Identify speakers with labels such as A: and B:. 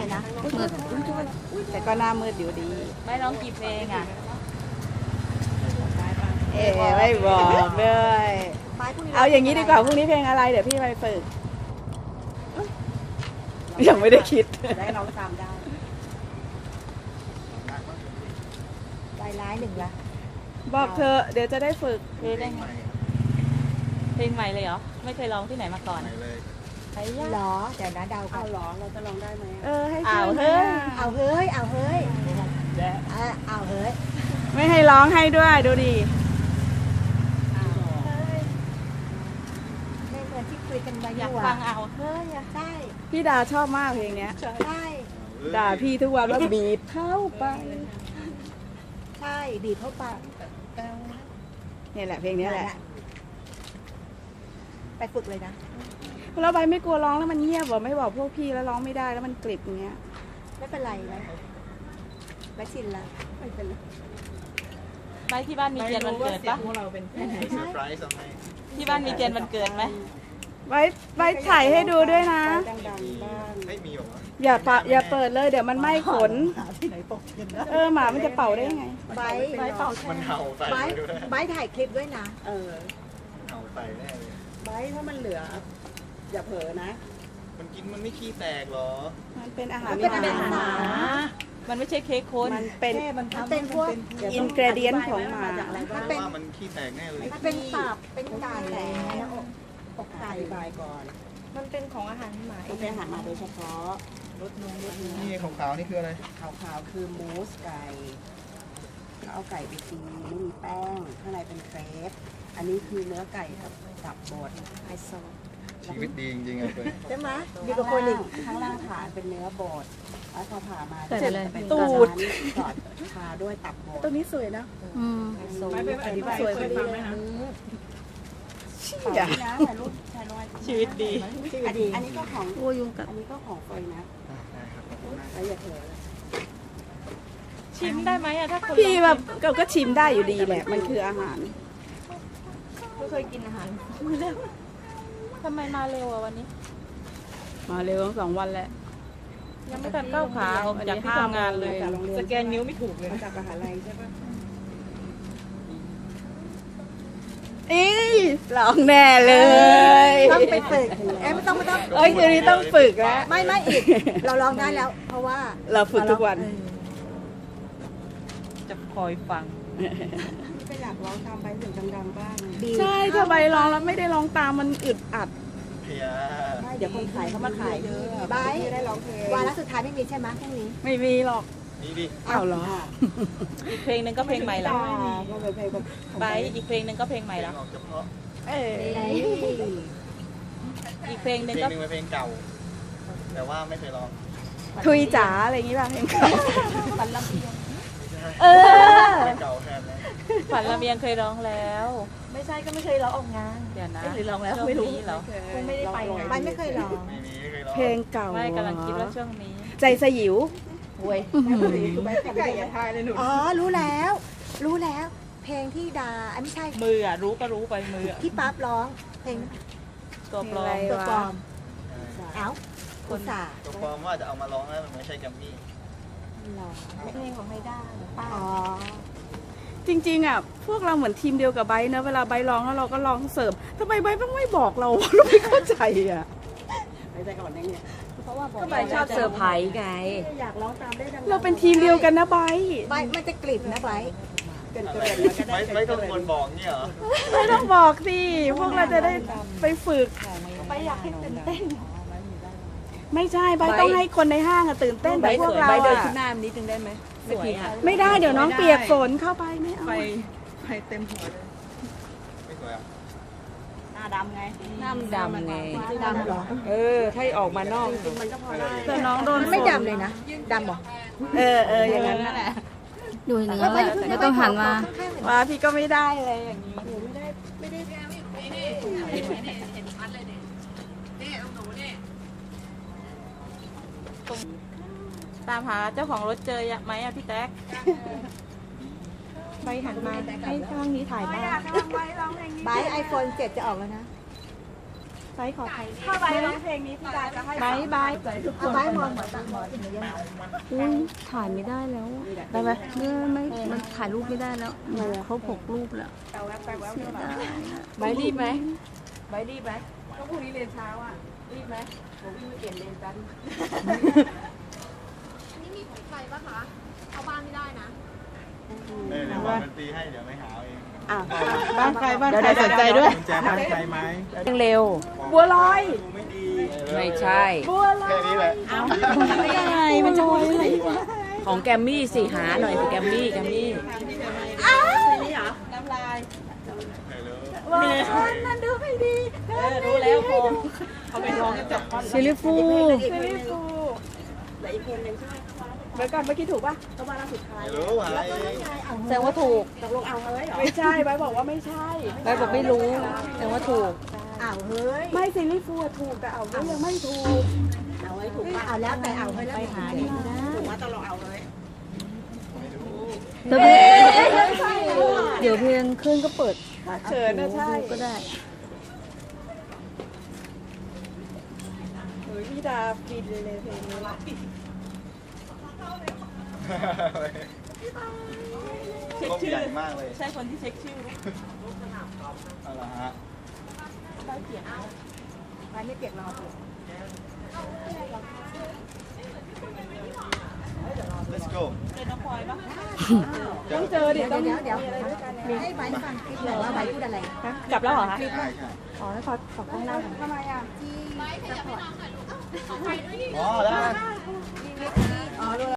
A: เลยนะ
B: มืดแต่ก็หน้ามืดอยู่ดี
C: ไม่ร้องกี่เพลงอ่ะ
B: ไม่บอกด้วย
A: ไม้พวกนี้
B: เอาอย่างนี้ดีกว่าพรุ่งนี้เพลงอะไรเดี๋ยวพี่ไปฝึกยังไม่ได้คิด
A: ได้น้องตามได้ลายร้ายหนึ่งละ
B: บอกเธอเดี๋ยวจะได้ฝึก
C: เพลงได้ไงเพลงใหม่เลยเหรอ ไม่เคยร้องที่ไหนมาก่อน
D: ไปเลย
C: ไอ้ยะ
A: หรอเดี๋ยวนะเดาก่อน
B: ให้
C: อ้าว
B: ช่วย
A: เอาเฮ้ยเอาเฮ้ยเอาเฮ้ย
B: ไม่ให้ร้องให้ด้วยดูดิ
A: ไม่เหมือนที่คุยกันไว้
C: อยาก
A: อยู่
C: ฟั
A: อ่ะ
C: งเอาเฮ้ยอะ
A: ใช่
B: พี่ดาชอบมากเพลงเนี้ย
A: ใช่
B: ด่าพี่ทุกวันว่าบีบเข้าไป
A: ใช่บีบเข้าไป
B: นี่แหละเพลงนี้แหละ
A: ไปฝึกเลยนะ
B: แล้วใบไม่กลัวร้องแล้วมันเงียบเหรอไม่บอกพวกพี่แล้วร้องไม่ได้แล้วมันกริบอย่างเงี้ย
A: ไม่เป็นไรนะไม่ชินละไม่เป็นไร
C: ไม่ที่บ้านมีเทียนวันเกิดปะ
D: มีเซอร์ไพรส์อะไร
C: ที่บ้านมีเทียนวันเกิดไหม
B: ใบถ่ายให้ดูด้วยนะ
D: ไม่มีหรอ
B: อย่าเปิดเลยเดี๋ยวมันไหม้ขนหมามันจะเป่าได้ยังไง
A: ไบร์ท
D: มันเห่าใส่
A: ไบร์ท
D: ดูได้
A: ไบร์ทถ่ายคลิปด้วยนะ
D: เห่าใส่แน่เลย
E: ไว้ถ้ามันเหลือ อย่าเผลอนะ
D: มันกินมันไม่ขี้แตกหรอ
B: มันเป็นอาหาร
A: มันเป็นอาหาร
C: มันไม่ใช่เค้กคน
B: มันเป็น
A: มันเป็นพวก
B: อินกรเดียนของหมา
A: มันเป็น
D: ว่ามันขี้แตกแน่เลย
A: มันเป็นตับเป็นไก่แหละอกไก่
E: อธิบายก่อน
A: มันเป็นของอาหารหมา
E: มันเป็นอาหารหมาโดยเฉพาะรสนมรสเนื้อ
D: นี่ขาวๆนี่คืออะไร
E: ขาวๆคือมูสไก่เขาเอาไก่ไปตีไม่มีแป้ง ข้างในเป็นเครปอันนี้คือเนื้อไก่กับตับบดไฮโซ
D: ชีวิตดีจริงๆเลย
A: ใช่ไหมดี
E: ดี
A: ก
E: ก
A: ว่า
E: ว่า
A: ค
E: คน น
A: อี
E: อี
A: ก
E: กข้างล่างฐานเป็นเนื้อบดแล้วพอผ่ามา
C: ใส่ไปเลย
E: เป็น
B: ตูด
E: สอดทาด้วยตับบด
B: ตัวนี้สวยนะ
E: ไฮโซ
A: ไม่เป็นอธิบาย
B: สวยพอดี
A: ฟัง
B: เล
A: ไหม
B: ย
A: คะ
E: ถ่ายนะถ่ายรูปถ่ายรูป
C: ชีวิตดี
E: อันนี้ก็ของ
B: โอ้ยุงกัด
E: อันนี้ก็ของเฟยนะ
D: ได้ครับขอบคุณมาก
E: แล้วอย่าเผลอ
C: ชิมได้ไหมอะถ้าคน
B: พี่แบบก็ชิมได้อยู่ดีแหละ มันคืออาหาร
A: ไม่เคยกินอาหาร
C: ทำไมมาเร็วอะวันนี้
B: มาเร็วทั้ง2 วันแล้ว
C: ยังไม่ทันก้าวขาออกจากที่ทำงานเลย
E: จากโรงเรียน
A: สแกนนิ้วไม่ถูกเลย
E: มาจากมหาลัยใช่ปะ
B: ร้องแน่เลย
A: ต้องไปฝึกไม่ต้อง
B: เอ้ยคืนนี้ต้องฝึกแล้ว
A: ไม่อีก เราลองได้แล้ว เพราะว่า
B: เราฝึกทุกวัน
C: จะคอยฟัง
E: ไปหลักร้องตามไปเสียงดังๆบ้าง
A: ดี
B: ใช่ถ้าใบร้องแล้วไม่ได้ร้องตามมันอึดอัด
D: เพีย
E: เดี๋ยวคนขายเขามาขายเยอะ
A: ไบร์ท
E: ไม่ได้ร้องเพลง
A: วาระสุดท้ายไม่มีใช่ไหมพรุ่งนี้
B: ไม่มีหรอก
D: นี่ดิ
B: อ้าวเหรอ
C: อีกเพลงหนึ่งก็เพลงใหม่ละ
E: ก็เป็นเพลงแบบ
C: ไบร์ทอีกเพลงหนึ่งก็เพลงใหม่
D: เพล
C: ละ
D: งออกเฉพาะ
C: อีกเพลงห
D: เพ
C: นึ่
D: ล
C: ง
D: ง
C: ก็
D: หนึงเป็นเพลงเก่า แต่ว่าไม่เคยร้อง
B: ทุยจ๋าอะไรอย่างงี้ป่ะเพลงเก่า
C: ฝันลำเอียง
B: เออ
D: เพลงเก่าแทนนะ
C: ฝันลำเอียงเคยร้องแล้ว
A: ไม่ใช่ก็ไม่เคยร้องออกงาน
C: เดี๋ยวนะ
A: หรือร้องแล้ว
C: ช่ว
A: ไม่รู้
C: นี้เหรอ
A: คงไม่ได้ไปงานไม่เคยร้อง
D: ไม่มีไม่เคยร้อง
B: เพลงเก่า
C: ไม่กำลังคิดว่าช่วงนี้
B: ใจสยิว
A: เว้ย
E: คือไม่ไก่อย่าทายเลยหนู
A: อ๋อรู้แล้ว เพลงที่ดาไม่ใช่
C: มืออะรู้ก็รู้ไปมืออะ
A: ที่ปั๊บร้อง เพลง
C: ตัวปลอม
A: ตัวปลอมเอ้าคนสา
D: ตัวปลอมว่าจะเอามาร้องแล้วมันไม่ใช่แกรมมี่
A: เพลงของไฮด้าป้าอ๋อ
B: จริงๆอ่ะพวกเราเหมือนทีมเดียวกับไบร์ทนะเวลาไบร์ทร้องแล้วเราก็ร้องเสริมทำไมไบร์ทต้องไม่บอกเรา เราไม่เข้าใจอ่ะ
E: ไปใจก่อนนะเนี่ย
A: เพราะว่าบอก
C: ไบร์ทชอบเซอร์ไพรส์ไง
E: อยากร้องตามได้ดังๆ
B: เราเป็นทีมเดียวกันนะไบร์ท
A: ใบมันจะกลิบนะใบ
E: เกิน
D: อะไร
E: เกินก็ได้
D: ไม่ต้องควรบอกเนี่ยเหรอ
B: ไม่ต้องบอกสิพวกเราจะได้ไปฝึก
A: ใบอยากให้ตื่นเต้น
B: ไม่ใช่ไบร์ทต้องให้คนในห้างอะตื่นเต้นแต่พวกเรา
C: ไบร์ทเดิน
B: อะ
C: ขึ้นหน้านิดนึงได้ไหมสวยอะ
B: ไม่ได้เดี๋ยวน้องเปียกฝนเข้าไปไม่เอา
E: ไปเต็มหัวเลย
D: ไม่สวยอ่ะ
E: หน้าดำไง
C: น้ำดำไง
A: ดำเหรอ
C: ถ้าออกมานอก
E: มันก็พอได้
B: แต่น้องโดน
A: มันไม่ดำเลยนะดำเหรอ
B: อย่างนั้นแหละ
F: ดูอย่างนี้แหละไม่ต้องหันมา
B: ว่าพี่ก็ไม่ได้เลยอย่างนี้
C: ตามหาเจ้าของรถเจอไหมอะพี่แต๊ก
A: ใบหันมาให้ข้างนี้ถ่ายบ้างใบไอโฟน7จะออกแล้วนะ
B: ไบร์ทขอถ้าไบร์ทร้องเพลงนี้พี่ดาจะให้ไบร์ท
A: เอาไว้มองเหมือนตังหมดอย่างเงี้ย
F: อุ้ยถ่ายไม่ได้แล้ว
B: ได้ไหม
F: ไม่มันถ่ายรูปไม่ได้แล้วครบ6 รูปแล้ว
B: เอาแว๊บไปแว๊บ
F: เสีย
B: มา
F: ดายอะ
B: ไบร์ทรีบไหมไบร์ทรีบไหมก็พรุ่งนี้เรียนเช้าอ่ะรีบไหม
E: ผมวิ่งไปเปลี่ยนเลนกัน
D: เดี๋ยวบอกดนตรีให้เดี๋ยวไม่หาเอง
E: อ่ะ
B: บ้านใครบ้านใครสนใจด้วย
D: กุญแจบ้านใครไหม
E: เร็ว
B: บัวลอย
D: ดูไม่ดี
E: ไม่ใช่
B: บัวลอย
D: แค่นี้แหละ
B: ไม่ยังไงมันจะบัวลอย
E: ของแกมมี่สิหาหน่อยสิแกมมี่
B: น้ำลาย
D: ไม่รู้
B: ว้าวนั่นดูไม่ดีรู้แล้วพงเขาไปร้องกันจับ
F: ซิลิฟู
B: ซีรีส์ฟู
E: และอีกเพลงหนึ่งใช่ไหม
B: เมื่อก่อนเมื่อกี้ถูกป่ะ
E: ก็มาล่าสุดท้าย
D: ไม่รู้อะไร
F: แสดงว่าถูก
E: ตกลงเอาเลยเหรอ
B: ไม่ใช่ใบบอกว่าไม่ใช่
F: ใบบอกไม่รู้แสดงว่าถูก
A: เอาเฮ้ย
B: ไม่ซีรีส์ฟูถูกแต่เอาก็ยังไม่ถูก
E: เอาไว้ถูก
A: เอาแล้วแต่เอาให้แล้ว
B: ไปหาดีนะ
E: ถูกว่าตลอดเอาเลย
F: เดี๋ยวเพลงขึ้นก็เปิด
B: เขินนะใช่
F: ดูก็ได้
B: เฮ้ยพี่ดาฟินเลยเพลงนี้ละ
D: ก้มใหญ่มากเลย
C: ใช่คนที่เช็คชื่อ
D: เอาละฮะ
A: ไปไม่เปียกรอถูก
D: let's go
C: เจอน้องพลอยปะ
B: ต้องเจอดิต้อง
A: เดี๋ยวให้ใบฟังคลิปหน่อยว่าใบพูดอะไร
C: กลับแล้วเหรอคะ
D: ใช่ใช่
B: อ๋อแล้วขอข้างล่างทำไมอ่ะ
A: ที่ซัพพอร์ต
D: อ๋อแล้ว
A: ที่